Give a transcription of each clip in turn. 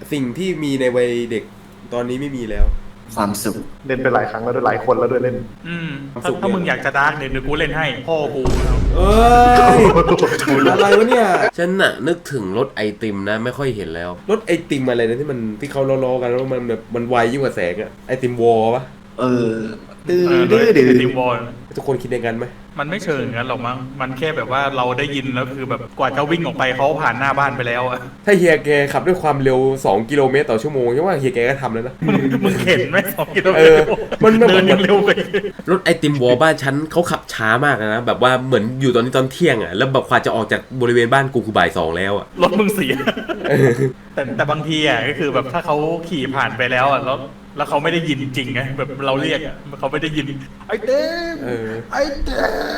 สิ่งที่มีในวัยเด็กตอนนี้ไม่มีแล้วความสุขเล่นไปหลายครั้งแล้วด้วยหลายคนแล้วด้วยเล่นถ้ามึงอยากจะดาร์กเดี๋ยวกูเล่นให้พ่อกูเอ้ยอะไรวะเนี่ยฉันน่ะนึกถึงรถไอติมนะไม่ค่อยเห็นแล้วรถไอติมอะไรนะที่มันที่เขาล้อๆกันแล้วมันแบบมันไวยิ่งกว่าแสงอะไอติมวอลปะดื้อทีมบอลทุกคนคิดอย่างนั้นไหมมันไม่เชิงงั้นหรอกมั้งมันแค่แบบว่าเราได้ยินแล้วคือแบบกว่าจะวิ่งออกไปเขาผ่านหน้าบ้านไปแล้วอะถ้าเฮียแกขับด้วยความเร็ว2กิโลเมตรต่อชั่วโมงใช่ว่าเฮียแกก็ทำแล้วนะมึงเห็นไหม2 กิโลเมเอตอรมันเดินยังเร็วไปรถไอติมวอลบ้านฉันเขาขับช้ามากนะแบบว่าเหมือนอยู่ตอนนี้ตอนเที่ยงอ่ะแล้วแบบกว่าจะออกจากบริเวณบ้านกูคือบ่าย2แล้วอ่ะรถมึงเสียแต่บางทีอ่ะก็คือแบบถ้าเขาขี่ผ่านไปแล้วอ่ะแล้วเขาไม่ได้ยินจริงไงแบบเราเรียกเขาไม่ได้ยินไอ้เต้ไอ้เต้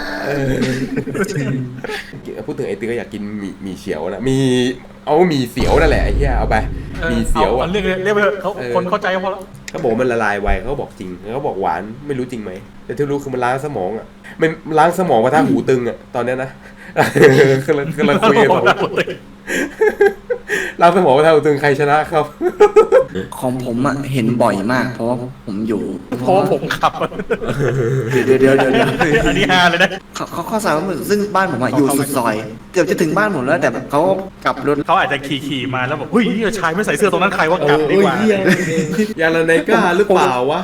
พูดถึงไอติมก็อยากกินหมี่เฉียวนะหมี่เสียวนั่นแหละไอ้เหี้ยเอาไปหมี่เสียวอ่ะเรียกไปเถอะเขาคนเข้าใจพอแล้วเขาบอกมันละลายไวเขาบอกจริงเขาบอกหวานไม่รู้จริงไหมแต่ที่รู้คือมันล้างสมองอ่ะมันล้างสมองมาทางหูตึงอ่ะตอนเนี้ยนะกำลังคุยกันสองล้างสมองมาทางหูตึงใครชนะครับของผมอ่ะเห็นบ่อยมาก เพราะว่าผมอยู่เพราะว่าผมขับเดี๋ยวอันนี้ฮาเลยนะเขาสาวซึ่งบ้านผมอ่ะอยู่สุดซอยเกือบจะถึงบ้านผมแล้วแต่แบบเขากลับรถเขาอาจจะขี่มาแล้วบอกเฮ้ยชายไม่ใส่เสื้อตรงนั้นใครว่ากลับดีกว่ายาลาไนก้าหรือเปล่าวะ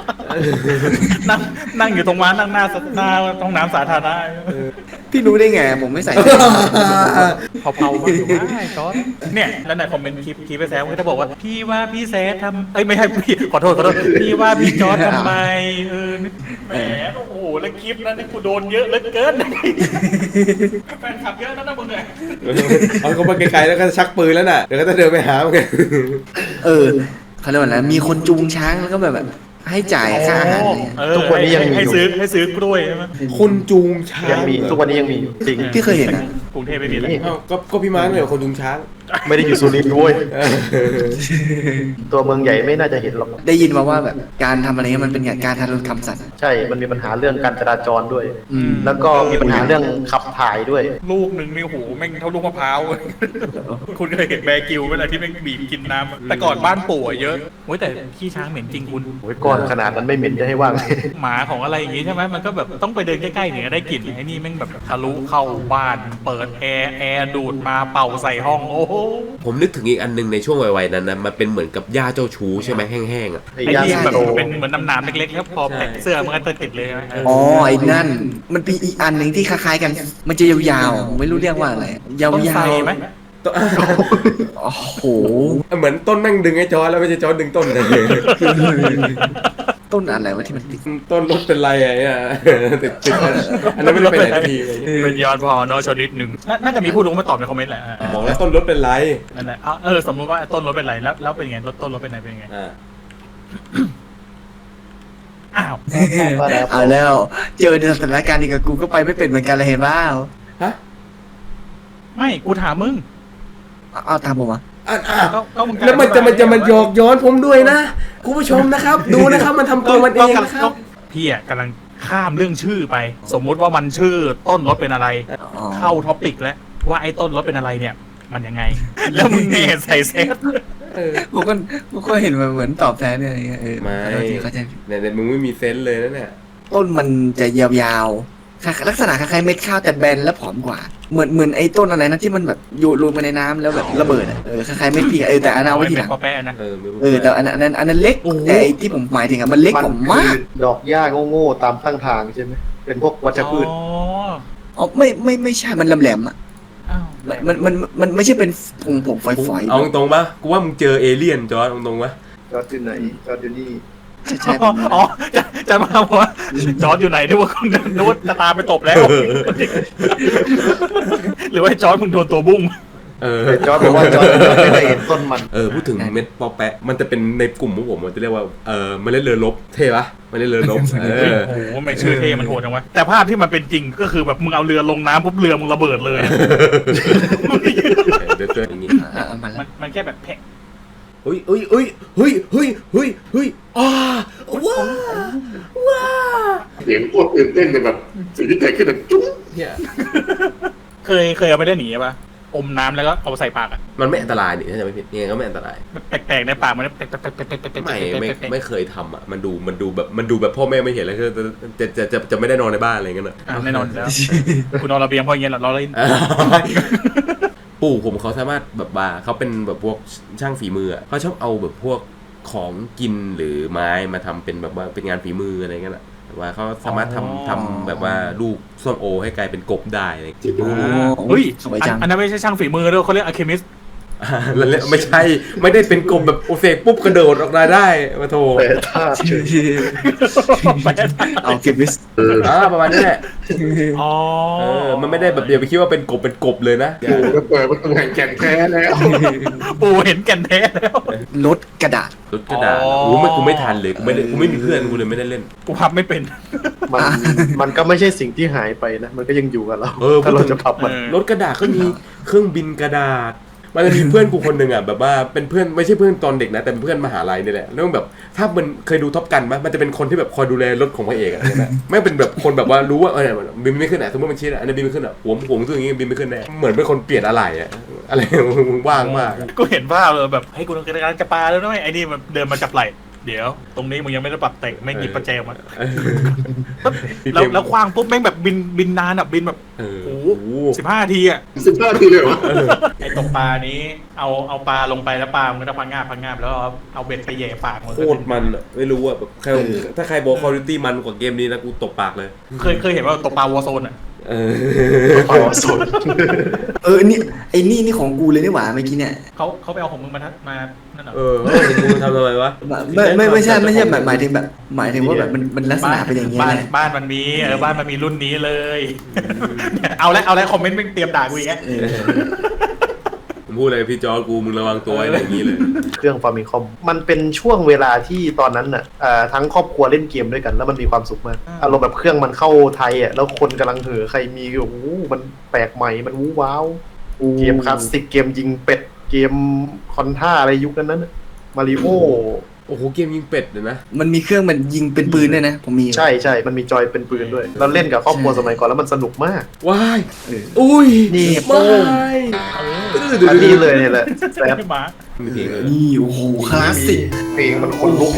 นั่งอยู่ตรงม้านั่งหน้าห้องน้ำสาธารณะพี่รู้ได้ไงผมไม่ใส่เผาๆมาอยู่ได้จอร์ดเนี่ยแล้วในคอมเมนต์คลิปไปแซวก็จะบอกว่าพี่ว่าพี่แซดทำไม่ใช่พี่ขอโทษพี่ว่าพี่จอร์ดทำไมแหมโอ้โหแล้วคลิปนั้นนี่กูโดนเยอะเหลือเกินแฟนคลับเยอะนะมึงเนี่ยเอาเขามาไกลๆแล้วก็ชักปืนแล้วน่ะเดี๋ยวก็จะเดินไปหามันเขาเรียกว่าอะไรมีคนจูงช้างแล้วก็แบบให้จ่ายค่าอาหารเนี่ยทุกวันนี้ยังมีอยู่ให้ซื้อกล้วยใช่ไหมคนจูงช้างยังมีทุกวันนี้ยังมีจริงพี่เคยเห็นนะกรุงเทพไม่มีแล้วอ้าวก็พี่มาร์คเนี่ยคนจูงช้างไม่ได้อยู่สุรินทร์ด้วยตัวเมืองใหญ่ไม่น่าจะเห็นหรอกได้ยินมาว่าแบบการทำอะไรเงี้ยมันเป็นการทารุณกรรมสัตว์ใช่มันมีปัญหาเรื่องการจราจรด้วยอืมแล้วก็มีปัญหาเรื่องขับถ่ายด้วยลูกหนึ่งนี่โหแม่งเท่าลูกมะพร้าว คุณเคยเห็นแบร์กิวเวลาที่แม่งบีบกินน้ำแต่ก่อนบ้านปู่อะเยอะโอ้ยแต่ขี้ช้างเหม็นจริงคุณโอ้ยก้อนขนาดนั้นไม่เหม็นจะให้ว่างหมาของอะไรอย่างงี้ใช่ไหมมันก็แบบต้องไปเดินใกล้ๆถึงจะได้กลิ่นไอ้นี่แม่งแบบทะลุเข้าบ้านเปิดแอร์ดูดมาเป่าใส่ห้องโอ้โหผมนึกถึงอีกอันหนึงในช่วงวัยๆนั้นนะมันเป็นเหมือนกับหญ้าเจ้าชู้ใช่ไหมแห้งๆอ่ะไอ้ที่แบบเป็นเหมือนน้ำๆเล็กๆแล้วพอแพ็คเสื้อมันก็ติดเลยใช่ไหมอ๋อไอ้นั่นมันเป็นอีกอันหนึ่งที่คล้ายๆกัน มันจะยาวๆไม่รู้เรียกว่าอะไรยาต้นไทรวไหมๆโอ้โหเหมือนต้นนั่งดึงไอ้จอร์จแล้วไม่ใช่จอร์จดึงต้นเลยต้นอะไรวะที่มันติดต้นรถเป็นไรไอ้เนี่ยติดอันนั้นไม่ได้ไปไหนสักทีเลยเป็นยอดพอเนาะชนิดหนึ่งน่าจะมีผู้รู้มาตอบในคอมเมนต์แหละบอกแล้วต้นรถเป็นไรนั่นแหละสมมติว่าต้นรถเป็นไรแล้วเป็นไงต้นรถเป็นไงเป็นไงอ่าอ้าวเอาแล้วเจอในสถานการณ์นี้กับกูก็ไปไม่เป็นเหมือนกันเลยเห็นเปล่าฮะไม่กูถามมึงเอาตามผมอ่ะก็มึงแล้วมันจะมันหยอกย้อนผมด้วยนะคุณผู้ชมนะครับ ดูนะครับมันทำตัวมันเองนะครับพี่อ่ะกำลังข้ามเรื่องชื่อไป สมมุติว่ามันชื่อต้นรถเป็นอะไรอ๋อเข้าท็อปิกแล้วว่าไอ้ต้นรถเป็นอะไรเนี่ย มันยังไง แล้วมึงเนใส่เซฟผมก็เห็นมันเหมือนตอบแทนเนี่ยอะไรเงี้ยไม่ขอโทษทีเข้าใจเนี่ยมึงไม่มีเซนส์เลยนะเนี่ยต้นมันจะยาวๆลักษณะคล้ายๆเม็ดข้าวแต่แบนและผอมกว่า เหมือนไอ้ต้นอะไรนะที่มันแบบอยู่รวมไปในน้ำแล้วแบบระเบิดอ่ะคล้ายๆเม็ดพริกแต่อันนั้นเอาไว้ทีหลังปอแปะนะแต่อันนั้นเล็กแต่ไอ้ที่ผมหมายถึงอ่ะมันเล็กกว่ามากดอกหญ้าโง่ๆตามข้างทางใช่ไหมเป็นพวกวัชพืชอ๋อไม่ใช่มันแหลมๆอ่ะมันไม่ใช่เป็นผงฝอยๆเอาตรงๆปะกูว่ามึงเจอเอเลี่ยนจอร์จตรงๆปะจอดอยู่ไหนจอดอยู่นี่ใช่อ๋อจะมาบอกว่าจอร์ดอยู่ไหนนึกว่าคุณนึกว่าจะตามไปตบแล้ว หรือว่าจอร์ดมึงโดนตัวบุ้งแต่จอดบอกว่าจอดไม่ได้เห็นต้นมันพูดถึงเม็ดปอแปะมันจะเป็นในกลุ่มพวกผมมันจะเรียกว่าเมล็ดเรือรบเท่ปะเมล็ดเรือรบโอ้โหไม่ชื่อเท่มันโหดจังวะแต่ภาพที่มันเป็นจริงก็คือแบบมึงเอาเรือลงน้ำปุ๊บเรือมึงระเบิดเลยเดือดอย่างงี้มันแค่แบบแพะเฮ้ยว้าเสียงโคตรตื่นเต้นเลยแบบสิ่งที่เกิดขึ้นแบบจุ๊บเนี่ยเคยเอาไปได้หนีป่ะอมน้ำแล้วก็เอาใส่ปากอ่ะมันไม่อันตรายนี่ถ้าจะไม่ผิดยังไงก็ไม่อันตรายแปลกๆในปากมันไม่เคยทำอ่ะมันดูแบบพ่อแม่ไม่เห็นแล้วก็จะไม่ได้นอนในบ้านอะไรเงี้ยนะแน่นอนแล้วคุณนอนระเบียงเพราะอย่างเงี้ยเราเล่นปู่ผมเขาสามารถแบบว่าเขาเป็นแบบพวกช่างฝีมืออะเขาชอบเอาแบบพวกของกินหรือไม้มาทำเป็นแบบว่าเป็นงานฝีมืออะไรเงี้ยนะแบบว่าเขาสามารถทำแบบว่าลูกส้มโอให้กลายเป็นกบได้อะไรอย่างเงี้ยเฮ้ยสวยจังอันนั้นไม่ใช่ช่างฝีมือด้วยเขาเรียกอะเคมิสแล้วไม่ใช่ไม่ได้เป็นกบแบบโอเซปุ๊บกระโดดออกมาได้มาโทแต่ถ้าเอาเก็บวิสประมาณนี้แหละอ๋อมันไม่ได้แบบเดียวไปคิดว่าเป็นกบเลยนะปู่ก็เปิดประตูแห่งแก่นแท้แล้วปู่เห็นแก่นแท้แล้วลดกระดาษรถกระดาษกูไม่ทันเลยกูไม่มีเพื่อนกูเลยไม่ได้เล่นกูพับไม่เป็นมันก็ไม่ใช่สิ่งที่หายไปนะมันก็ยังอยู่กับเรา ถ้าเราจะพับมันรถกระดาษก็มีเครื่องบินกระดาษมันจะมีเพื่อนกูคนหนึ่งอ่ะแบบว่าเป็นเพื่อนไม่ใช่เพื่อนตอนเด็กนะแต่เป็นเพื่อนมหาลัยนี่แหละแล้วแบบถ้ามันเคยดูท็อปกันมั้ยมันจะเป็นคนที่แบบคอยดูแลรถของพระเอกอะไรนะไม่เป็นแบบคนแบบว่ารู้ว่าบินไม่ขึ้นอ่ะสมมติมันชี้อ่ะอันนี้บินไม่ขึ้นอ่ะหัวซึ่งอย่างงี้บินไม่ขึ้นแน่เหมือนเป็นคนเปลี่ยนอะไรอ่ะอะไรมึงว่างมากกูเห็นภาพเลยแบบให้กูต้องการจะปาแล้วนะไอ้นี่มันเดินมาจับไหล่เดี๋ยวตรงนี้มึงยังไม่ได้ปรับแต่งแม่งหยิบประแจมาแล้วคว้างปุ๊บแม่งแบบบินนานอ่ะบินแบบโอ้โห15 นาทีอ่ะ 15 ทีเลยวะไอ้ตกปลานี้เอาปลาลงไปแล้วปลามันก็จะพังงาบแล้วเอาเบ็ดไปแย่ปากมันโคตรมันอะไม่รู้อะแบบถ้าใครบอกคอร์ดิตี้มันกว่าเกมนี้นะกูตบปากเลยเคยเห็นว่าตกปลาวอร์โซนอ่ะอ๋อสดนี่ของกูเลยนี่หว่าเมื่อกี้เนี่ยเขาไปเอาของมึงมานั่นเหรอมึงทำทำไมวะไม่ใช่หมายถึงว่าแบบมันลักษณะเป็นอย่างนี้บ้านแหละบ้านมันมีบ้านมันมีรุ่นนี้เลย เอาแล้วคอมเมนต์ไม่เตรียมด่ากูอีกแล้วผมพูดอะไรพี่จอกูมึงระวังตัวอะไรอย่างนี้เลยเครื่องฟาร์มิคอมมันเป็นช่วงเวลาที่ตอนนั้นน่ะทั้งครอบครัวเล่นเกมด้วยกันแล้วมันมีความสุขมากอารมณ์แบบเครื่องมันเข้าไทยอ่ะแล้วคนกำลังเห่อใครมีโอ้โหมันแปลกใหม่มันวู้ว้าวเกมคลาสสิกเกมยิงเป็ดเกมคอนท่าอะไรยุคนั้นมาริโอโอ้โหเกมยิงเป็ดเลยนะมันมีเครื่องมันยิงเป็นปืนด้วยนะผมมีใช่มันมีจอยเป็นปืนด้วยเราเล่นกับครอบครัวสมัยก่อนแล้วมันสนุกมากว้ายเอออุ้ยนี่ไม่อันนี้เลยเนี่ยแหละแซ่บหมามีเพลงเลยนี่โอ้โหคลาสสิกเพลงมันคนลุก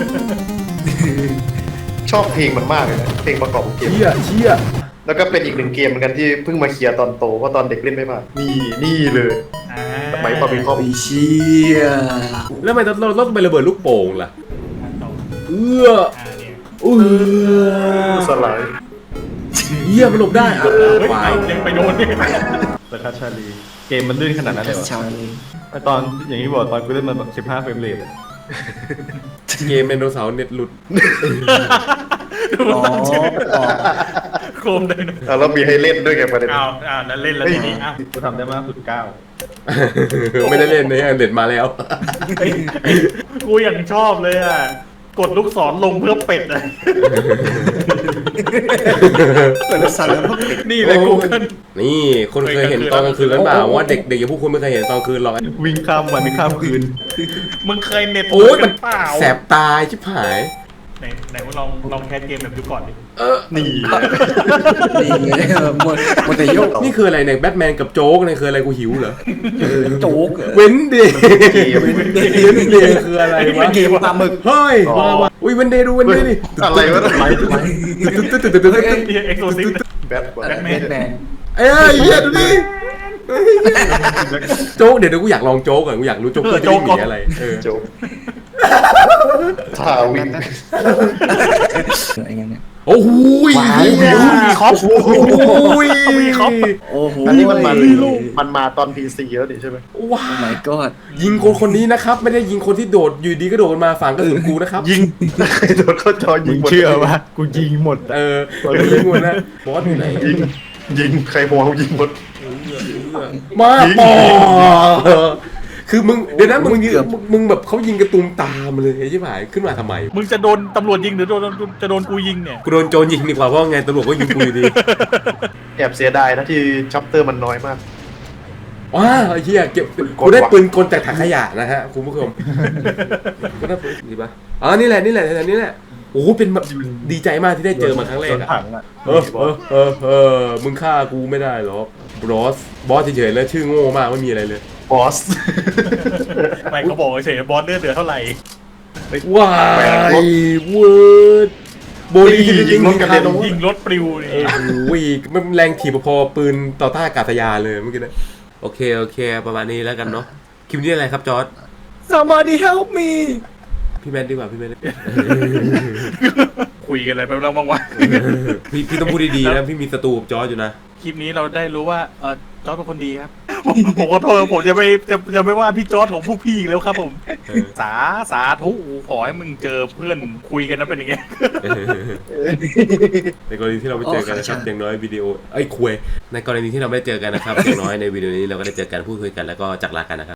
ชอบเพลงมันมากเลยนะเพลงประกอบของเกมเชี่ยแล้วก็เป็นอีกหนึ่งเกมเหมือนกันที่เพิ่งมาเคลียร์ตอนโตเพราะตอนเด็กเล่นไม่ผ่านนี่เลยสมัยฟาร์มิคอมไอ้เชี่ยแล้วทำไมเราต้องไประเบิดลูกโป่งล่ะเนี่ยสลายเหี้ยมันหลบได้อ่ะวายยังไปโดนเนี่ยประทัดชาลีเกมมันลื่นขนาดนั้นเลยเหรอชาวนี้ตอนอย่างที่บอกตอนกูเล่นมันแบบ15 เฟรมเรทอะเกมไดโนเสาร์เน็ตหลุดอ๋อโคมเลยนะแล้วมีให้เล่นด้วยไงประเด็นแล้วเล่นแล้วทีนี้กูทำได้มากสุด9 ไม่ได้เล่นในเน็ตมาแล้วกูอย่างชอบเลยอ่ะกดลูกศรลงเพื่อเป็ดเลยเปิดแล้วสั่นแล้วก็ปิดนี่เลยกูเกิลนี่คนเคยเห็นตอนกลางคืนกันเปล่าว่าเด็กอย่างพวกคุณไม่เคยเห็นตอนกลางคืนหรอกวิ่งข้ามวันข้ามคืนมึงเคยเน็ตโอ้ยมันเปล่าแสบตาชิบหายไหนมึงลองแคสเกมแบบดูก่อนดินี่นี่ไงหมดแต่โยกนี่คืออะไรเนี่ยแบทแมนกับโจ๊กเนี่ยคืออะไรกูหิวเหรอโจ๊กเว้นเดย์เกมเว้นเดย์คืออะไรวะเกมปลาหมึกเฮ้ยมาอุ้ยเว้นเดย์ดูเว้นเดย์ดิอะไรวะเอ็กโซซิฟแบทแบทแมนเอ้ยเหี้ยดูดิโจ๊กเดี๋ยวกูอยากลองโจ๊กก่อนกูอยากรู้โจ๊กคือจะมีอะไรโจ๊กท่าวิ่งอะไรเงี้ยเนี่ยโอ้โหมีคอปโอ้ยมีคอปโอ้โหอันนี้มันมาตอน PC แล้วนี่ใช่ไหมว้าโอ้ my god ยิงคนนี้นะครับไม่ได้ยิงคนที่โดดอยู่ดีก็โดดมาฝังกระสุนกูนะครับยิงโดนเข้าจอยิมึงงหมดเชื่อวะกูยิงหมดอะยิงหมดนะบอสอยู่ไหนยิงใครมองยิงหมดมาปอคือมึงเดี๋ยวนะมึงแบบเขายิงกระตุ้มตามเลยใช่ไหมขึ้นมาทำไมมึงจะโดนตำรวจยิงหรือจะโดนกูยิงเนี่ยกูโดนโจรยิงดีกว่าเพราะไงตำรวจก็ยิงกูอยู่ดีแอบเสียดายนะที่ชัปเตอร์มันน้อยมากว้าไอ้เหี้ยเก็บกูได้ปืนกลจากถังขยะนะฮะคุณผู้ชมก็ได้ปืนดีป่ะอ๋อนี่แหละโอ้เป็นแบบดีใจมากที่ได้เจอมาครั้งแรกโดนอะถังอะมึงฆ่ากูไม่ได้หรอกบอสเฉยๆแล้วชื่อโง่มากไม่มีอะไรเลยบอสไม่เขาบอกเฉยๆบอสเลือดเหลือเท่าไหร่ว้ายเวิร์ดโบลียิงรถกันเลยยิงรถปลิวนี่โอ้ยมันแรงถีบพอปืนต่อต้านอากาศยานเลยเมื่อกี้นะโอเคประมาณนี้แล้วกันเนาะคลิปนี้อะไรครับจอร์ด somebody help me พี่แมนดีกว่าพี่แมนคุยกันอะไรไปแล้วบ้างวะพี่ต้องพูดดีๆนะพี่มีศัตรูกับจอร์ดอยู่นะคลิปนี้เราได้รู้ว่าจอร์ดเป็นคนดีครับผมขอโทษผมจะไม่ว่าพี่จอร์ดของพวกพี่อีกแล้วครับผม สาธุขอให้มึงเจอเพื่อนคุยกันนะเป็นอย่างเงี้ยในกรณีที่เราไม่เจอกันนะครับอย่างน้อยวิดีโอคุยในกรณีที่เราไม่เจอกันนะครับอย่างน้อยในวิดีโอนี้เราก็ได้เจอกันพูดคุยกันแล้วก็จากลากันนะครับ